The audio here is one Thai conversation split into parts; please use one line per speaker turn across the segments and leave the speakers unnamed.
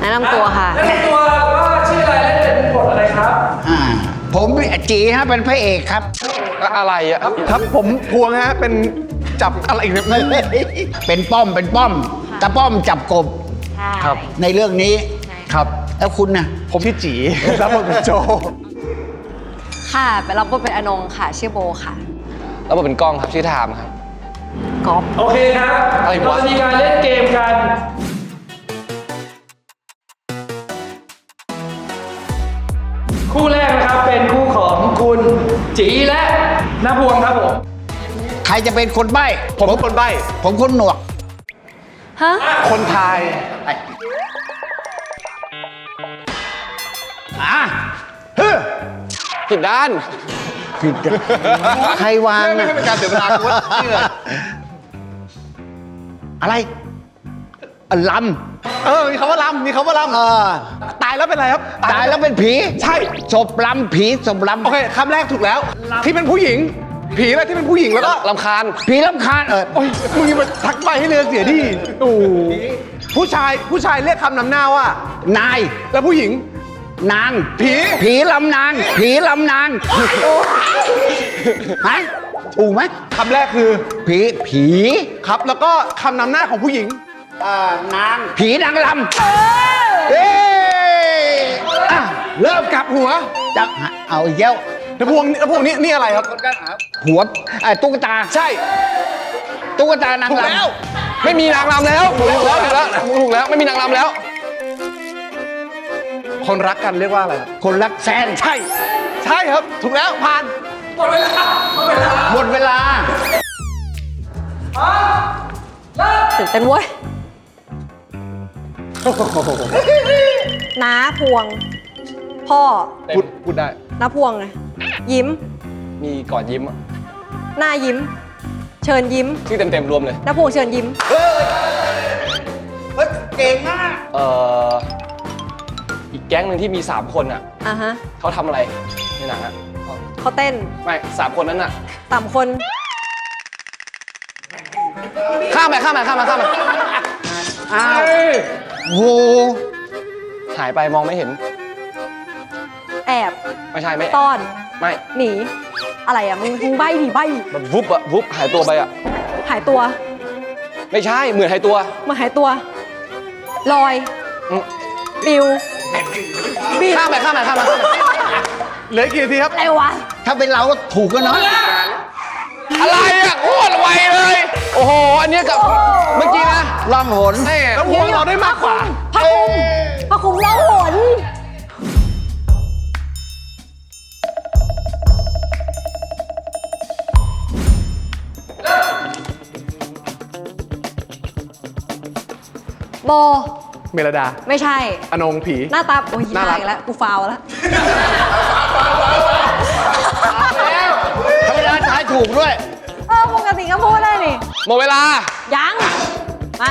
นะนำตัวค่ะ
แนะนำตัวว่าชื่ออะไรและเป็นบทอะไรครับ
ผมจีฮะเป็นพระเอกครับ
อะไรอ่ะ
ครับผมพวงฮะเป็นจับอะไรอีกเนี่ย
เป็นป้อมตาป้อมจับกบ
ครับ
ในเรื่องนี้
ครับ
แล้วคุณนะ
ผมชื่อจีรับบทเป็นโจ
ค่ะไปรับบทเป็นอนงค่ะชื่อโบค่ะ
แล้วผมเป็นกล้องครับชื่อไทม์ครับ
ก๊อฟ
โอเคครับ
อะไรวะ
เราจะมีการเล่นเกมกัน คู่แรกนะครับเป็นคู่ของคุณจีและน้าพวงครับผม
ใครจะเป็นคนใบ้
ผมเป็นคนใบ้
ผมคนหนวก
ฮะ
คนทาย
ผิดด้าน
ผิดกันใครวาง
ไม่
อะ
ให้เป็นการเสียเวลาคุณว่าชื่ออะไร
อะไรล
มีคำว่าลำมีคำว่าล
ำ
ตายแล้วเป็นอะไรครับ
ตายแล้วเป็นผี
ใช่
ศพลำผีศพลำ
โอเคคำแรกถูกแล้ว ที่เป็นผู้หญิง ผีอะไรที่เป็นผู้หญิงแล้วก็
ลำคาญ
ผีลำคาญ
โอ้ยมึงอย่ามาทักใบให้เรือเสียดิโอ้ผู้ชายเรียกคำนำหน้าว่า
นาย
แล้วผู้หญิง
นาง
ผี
ลำนางผีลำนางฮะถูกไหม
คำแรกคือ
ผี
ครับ แล้วก็คำนำหน้าของผู้หญิง
นางผีนางลำเอ้อ่ะ
เริ่มกลับหัว
จะเอาอีกแล้ว
แล้วพวงนี่อะไรครับ
หัวตุ๊กตา
ใช่
ตุ๊กตานาง
ถูก
ล
แล้ว
ไม่มีนางรำแล้วถูกแล้วไม่มีนางรำแล้ว
คนรักกันเรียกว่าอะไรครับ
ำคนรักแซน
ใช่ ใช่ครับ ถูกแล้วผ่าน
หมดเวลา
หมดเวลา
ตื่นเต้นเว้ยน้าพวง พ่อ
พูดได้
น้าพวงไงยิ้ม
มีก่อนยิ้มอะ
หน้ายิ้ม เชิญยิ้ม
ชื่อเต็มๆรวมเลย
น้าพวงเชิญยิ้ม
เก่งมาก
อีกแก๊งหนึ่งที่มี 3 คนอ่ะ
อ่ะฮะ
เขาทำอะไรในหนังอ่ะ
เขาเต้น
ไม่3 คนนั้นอ่ะ
ต่ำคน
ข้ามไป
อ้าวโห
หายไปมองไม่เห็น
แอบ
ไม่ใช่ไม่
ซ่อน
ไม่
หนี อะไรอ่ะ มึงใบ้ดิใบ้
แบบวุบหายตัวไปอ่ะ
หายตัว
ไม่ใช่เหมือนหายตัว
มาหายตัว ลอย
อืม
ปิวบิด
ข้ามไป
เหลืออีกกี่นาทีครับ
อะไรวะ
ถ้าเป็นเราก็ถูกกันเนาะ
อะไรอ่ะโคตรไวเลย โอ้โห อันเนี้ยกับเมื่อกี้นะ
ล่องหน
แม่
แล้วพวงเราได้มากกว่า
พระคุมพระคุมเล่าหนโบ
เมลดา
ไม่ใช่
อนงผี
หน้าตา โอ้ย
น่ารัก
อีกแล้ว กูฟาวแล้ว
ธรรมดาทายถูกด้วย
ปกติก็พูดได้นี่
หมดเวลา
ยัง มา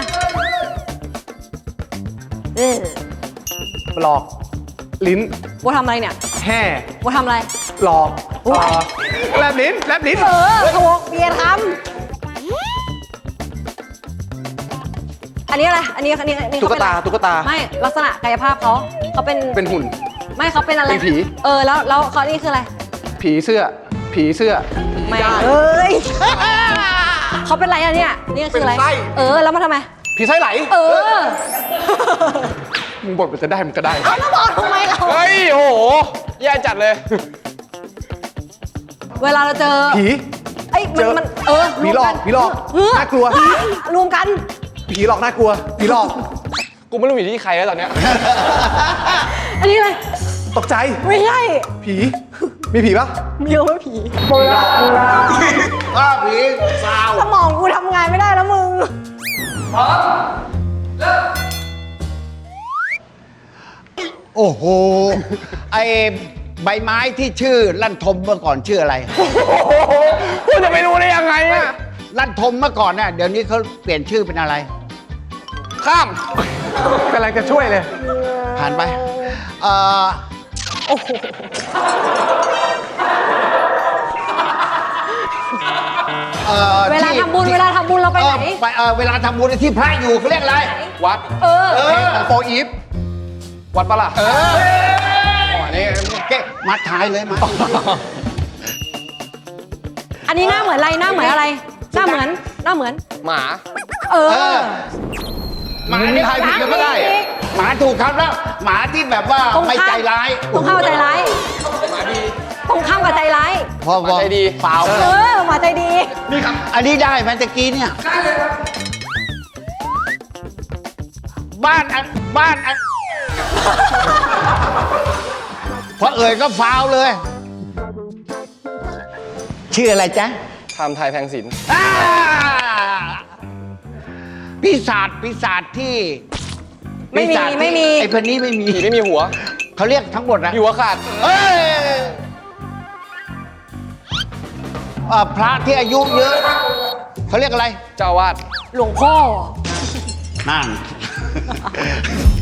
เออ
หลอก ลิ้น
โบทำอะไรเนี่ย
แห่
โบทำอะไร
หลอก
โอ้ย
แลบลิ้น
เออถูกเบียร์ทำอันนี้อะไร อันนี้เขาเป็นอะไร
ตุ๊กตา
ไม่ ลักษณะกายภาพเขาเป็น
เป็นหุ่น
ไม่เขาเป็นอะไร
เป็นผี
แล้วเขานี่คืออะไร
ผีเสื้อ
ไม่เอ้ยเขาเป็นอะไรอะเนี่ยนี่คืออะไร
เป็นไส้
แล้วมาทำไม
ผีไส้ไหล มึงบทมันจะได้มันก็ได้
แล้วบอกทำไมเรา
เฮ้ย โอ้โห แย่จัดเลย
เวลาเราเจอ
ผี
ไอ้ย
เจอ
มัน
ผีหลอก
รวมน
ผีหลอก
เออ
น่ากลัว
รวมกัน
ผีหลอกน่ากลัว ผีหลอก
กูไม่รู้อยู่ที่ใครแล้วตอนเนี้ย
อันนี้อะไร
ตกใจ
ไม่ใช่
ผี มีผีปะ
มีเอาไว้ผี
อ้าวผีสาว
สมองกูทำงานไม่ได้แล้วมึง
โอ้โห ไอใบไม้ที่ชื่อลั่นทมเมื่อก่อนชื่ออะไร
กูจะไปรู้ได้ยังไงอ่ะ
ลั่นทมเมื่อก่อนน่ะเดี๋ยวนี้เขาเปลี่ยนชื่อเป็นอะไร
ข้าม
กำลังจะช่วยเลย
ผ่านไป
เวลาทำบุญเราไปไหน
เวลาทำบุญที่พระอยู่เขาเรียกอะไร
วัด
เพลงของโปรอีฟ
วัดปะล่ะอันนี้
เก๊มาถ่ายเลยมา
อันนี้หน้าเหมือนอะไรหน้าเหมือนอะไร หน้าเหมือน
หมา
เออ
หมาเนี่ย
ทายผิดก็ได้
หมาถูกครับแล้วหมาที่แบบว่า
ตรงข้าม
ไม่ใจร้าย
ตรงข้ามกับใจร้ายตรงข้ามกับใจร้าย
พอ
หมาใจดี
เปล่า
หมาใจดี
อันนี้ได้ไหมตะกี้เนี่ยได้เลยครับบ้านพอเอ่ยก็ฟาวเลย ชื่ออะไรจ๊ะ
ไทม์ไทยแพงศิลป์
อ่าปีศาจที่
ไม่มี
ปีศาจที่
ไม่มี
ไอ้คนนี้ไม่มี
ผีไม่มีหัว
เขาเรียกทั้งหมดนะ
มีหัวขาด
เอ้ยพระที่อายุเยอะ เขาเรียกอะไร
เจ้าอาวาด
หลวงพ่อ
นั่น